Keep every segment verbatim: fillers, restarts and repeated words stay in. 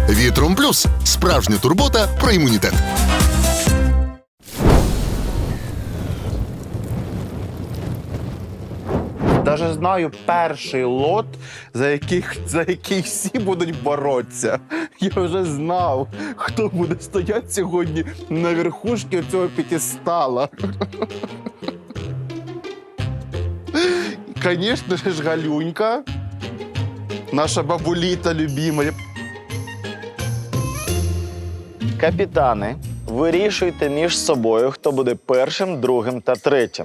Вітром Плюс – справжня турбота про імунітет. Даже знаю перший лот, за, яких, за який всі будуть боротися. Я вже знав, хто буде стояти сьогодні на верхушці цього п'ятистала. Звісно ж, Галюнька, наша бабуліта любима. Капітани, вирішуйте між собою, хто буде першим, другим та третім.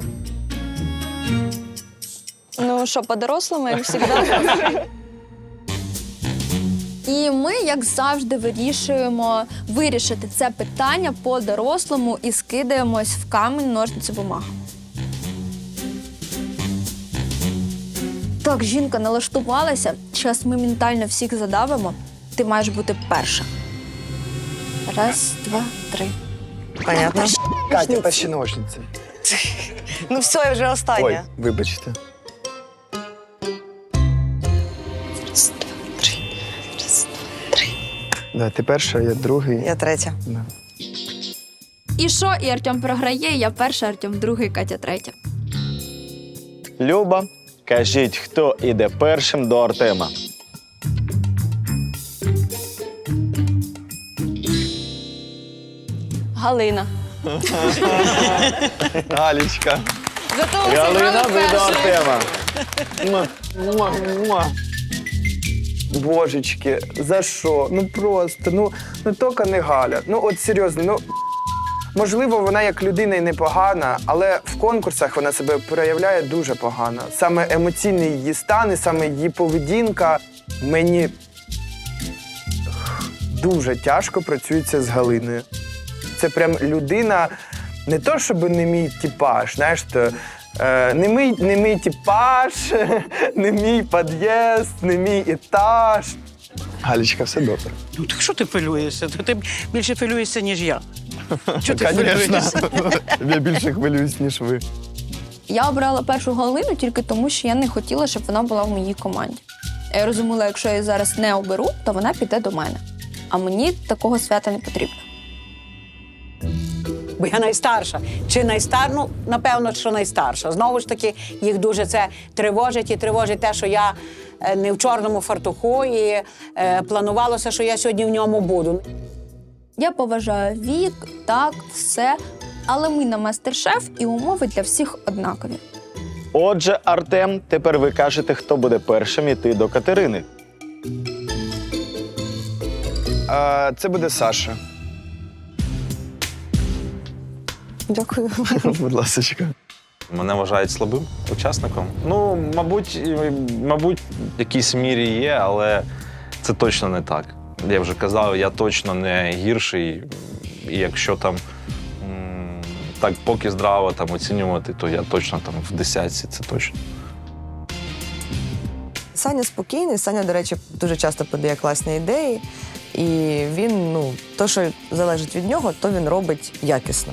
Ну що, по-дорослому, як завжди. І ми, як завжди, вирішуємо вирішити це питання по-дорослому і скидаємось в камінь, ножниці, бумага. Так, жінка налаштувалася. Зараз ми ментально всіх задавимо. Ти маєш бути перша. Раз, два, три. Понятно. Катя, перші ножниці. Ну все, я вже остання. Ой, вибачте. Раз, два, три. Раз, два, три. Да, ти перша, я другий. Я третя. Да. І що? І Артем програє, я перша, Артем другий, Катя третя. Люба, кажіть, хто іде першим до Артема. Галина. Галічка. Зато ви Галина зібрали буде до першою. Артема. Муа, муа, муа. Божечки, за що? Ну просто, ну, ну тільки не Галя. Ну от серйозно, ну можливо, вона як людина і непогана, але в конкурсах вона себе проявляє дуже погано. Саме емоційний її стан і саме її поведінка мені дуже тяжко працюється з Галиною. Це прям людина, не то щоб не мій типаж, знаєш, то, е, не, мій, не мій типаж, не мій під'їзд, не мій етаж. Галічка, все добре. Ну, так що ти хвилюєшся? Ти більше хвилюєшся, ніж я. Чого ти Конечно. хвилюєшся? Я більше хвилююсь, ніж ви. Я обрала першу Галину тільки тому, що я не хотіла, щоб вона була в моїй команді. Я розуміла, якщо я її зараз не оберу, то вона піде до мене. А мені такого свята не потрібно. Бо я найстарша. Чи найстар? Ну, напевно, що найстарша. Знову ж таки, їх дуже це тривожить і тривожить те, що я е, не в чорному фартуху і е, планувалося, що я сьогодні в ньому буду. Я поважаю вік, так, все. Але ми на мастер-шеф і умови для всіх однакові. Отже, Артем, тепер ви кажете, хто буде першим іти до Катерини. А, це буде Саша. Дякую. Будь ласочка. Мене вважають слабим учасником. Ну, мабуть, і- мабуть, в якійсь мірі є, але це точно не так. Я вже казав, я точно не гірший. І якщо там м, так поки здраво там оцінювати, то я точно там в десятці, це точно. Саня спокійний. Саня, до речі, дуже часто подає класні ідеї. І він, ну, то, що залежить від нього, то він робить якісно.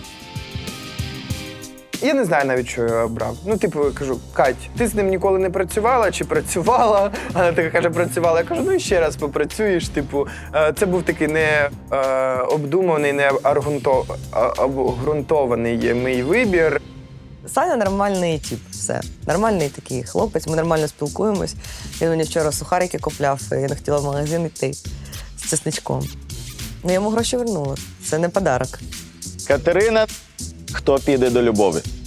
Я не знаю навіть, що я обрав. Ну, типу, я кажу, Кать, ти з ним ніколи не працювала чи працювала? Вона така каже, працювала. Я кажу, ну і ще раз попрацюєш. Типу, е, це був такий не е, обдуманий, не аргунто- а- обґрунтований мій вибір. Саня нормальний тип, все. Нормальний такий хлопець, ми нормально спілкуємось. Він мені вчора сухарики купляв, і я не хотіла в магазин йти з чесничком. Ну, я йому гроші вернула. Це не подарок. Катерина, хто піде до Любові?